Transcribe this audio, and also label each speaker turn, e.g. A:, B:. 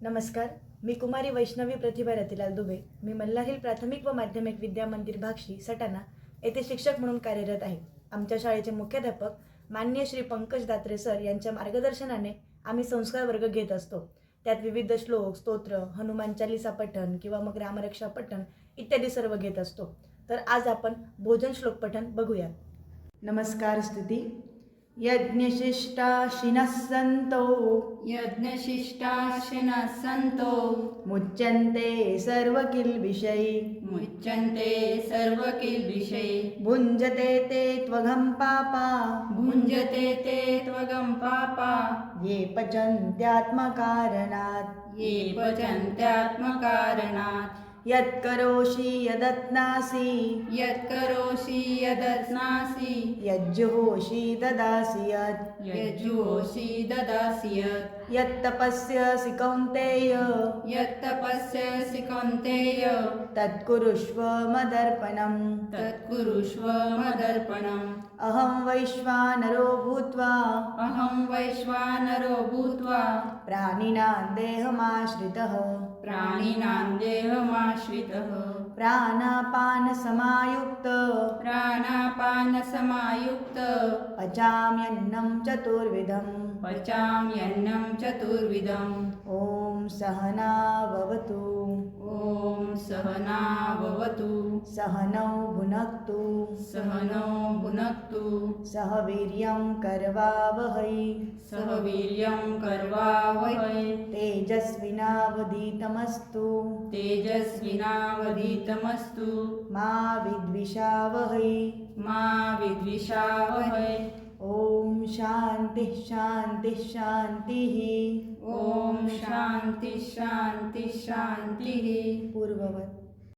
A: नमस्कार. मी कुमारी वैष्णवी प्रतिभा रतिलाल दुबे. मी मल्हारहिल प्राथमिक व माध्यमिक विद्या मंदिर भाक्षी सटाणा येथे शिक्षक म्हणून कार्यरत आहे. आमच्या शाळेचे मुख्याध्यापक माननीय श्री पंकज दात्रे सर यांच्या मार्गदर्शनाने आम्ही संस्कार वर्ग घेत असतो. त्यात विविध श्लोक, स्तोत्र, हनुमान चालीसा पठण किंवा मग रामरक्षा पठण इत्यादी सर्व घेत असतो. तर आज आपण भोजन श्लोक पठण बघूया. नमस्कार स्तुती. यज्ञशिष्टाशिनः सन्तो
B: यज्ञशिष्टाशिनः सन्तो
A: मुच्यन्ते सर्वकिल्बिषै
B: मुच्यन्ते सर्वकिल्बिषै
A: भुञ्जते ते त्वघं पापा
B: भुञ्जते ते त्वगं पापा
A: ये पचन्त्यात्मकारणात्
B: ये पचन्त्यात्मकारणात्
A: यत्करोषि यदत्नासि
B: यत्करोषि यदस्नासि
A: यज्जुहोषि ददासि यत्
B: यज्जुहोषि ददासि यत्
A: यत्तपस्यसि कौन्तेय
B: यत्तपस्यसि कौन्तेय
A: तत्कुरुष्व मदर्पणम्
B: तत्कुरुष्व मदर्पणम्
A: अहं वैश्वानरो भूत्वा
B: अहं वैश्वानरो भूत्वा
A: प्राणिनां देहमाश्रितः
B: प्राणिनां देहमाश्रितः
A: प्राणापानसमायुक्त
B: प्राणापानसमायुक्त
A: पचाम्यन्नं चतुर्विधम्
B: पचाम्यन्नं चतुर्विधम्
A: ॐ सहना भवतु
B: ॐ सहना भवतु
A: सहनौ भुनक्तु
B: सहनौ भुनक्तु
A: सह वीर्यं करवावहै
B: सह वीर्यं करवावहै
A: तेजस्विनावधीतमस्तु
B: तेजस्विनावधीतमस्तु
A: मा विद्विषावहै
B: मा विद्विषावहै
A: ॐ शान्तिः शान्तिः शान्तिः
B: ॐ शान्तिः शान्तिः शान्तिः
A: पूर्ववत्